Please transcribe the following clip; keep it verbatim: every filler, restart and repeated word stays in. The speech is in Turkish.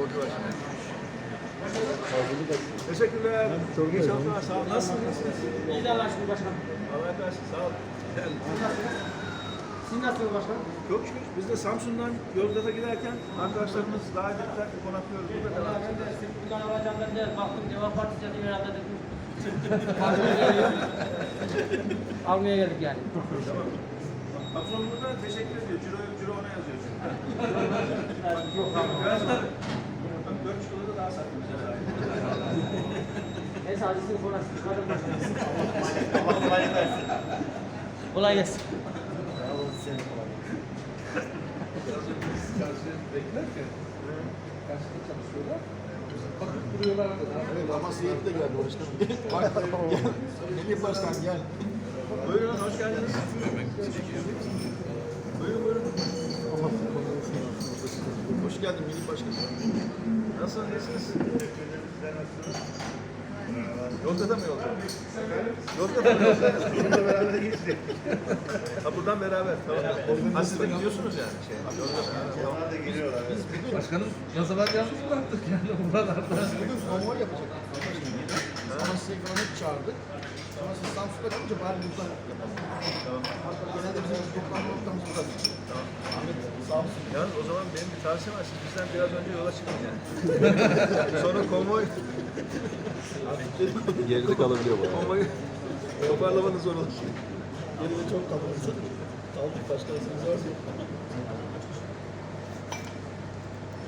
borcu var şimdi. Teşekkürler. Çok iyi çalışmalar. Sağ olun. Nasılsınız? İyi de Allah'a şükür başkanım. Allah versin. Sağ olun. Siz nasılsınız başkanım? Çok şükür. Biz de Samsun'dan Yozgat'a giderken arkadaşlarımız daha ettiler. Konaklıyoruz. Burada devam Ben de işte buradan alacağım ben de baktım Deva Partisi yazıyor herhalde dedim. Almaya geldik yani. Tamam. Patron burada teşekkür ediyor. Ciro, ciro ona yazıyor. Yok abi. Biraz da dört çikolata daha satmış. Neyse acısını sonra sıkmadım başkanım. Allah kolaylık versin. Kolay gelsin. Sağ olun, size de kolay gelsin. Karşıya beklerken karşıda çalışıyorlar. Bakıp duruyorlar arkada. Evet, ama Seyit de geldi başkanım. Gel. Melih Başkan gel. Buyurun, hoş geldiniz. Buyurun, buyurun. Hoş geldin Melih Başkan. Nasılsınız, iyisiniz? Yozgat'a mı yolda? Yozgat'a mı yolda? Burada beraber geçtik. Ha buradan beraber, tamam. Ha siz de gidiyorsunuz yani. Şey, Yozgat'a. Tamam. Biz bugün, Başkanım yasalar yalnız bıraktık yani buralarda. biz bugün konvoy yapacaktık. Ama size ekonomik çağırdık. Sonra siz Samsun'da kalınca bari buradan yapalım. Tamam. Genelde bizim toplanma noktamız burada. Tamam. Ahmet sağ olsun. Yalnız o zaman benim bir tavsiyem var. Siz bizden biraz önce yola çıkın yani. Sonra konvoy... Geride kalabiliyor bu. Konvoyu toparlamanız zor olur. Geride çok kalırız. Kaldık başkanısınız var ya.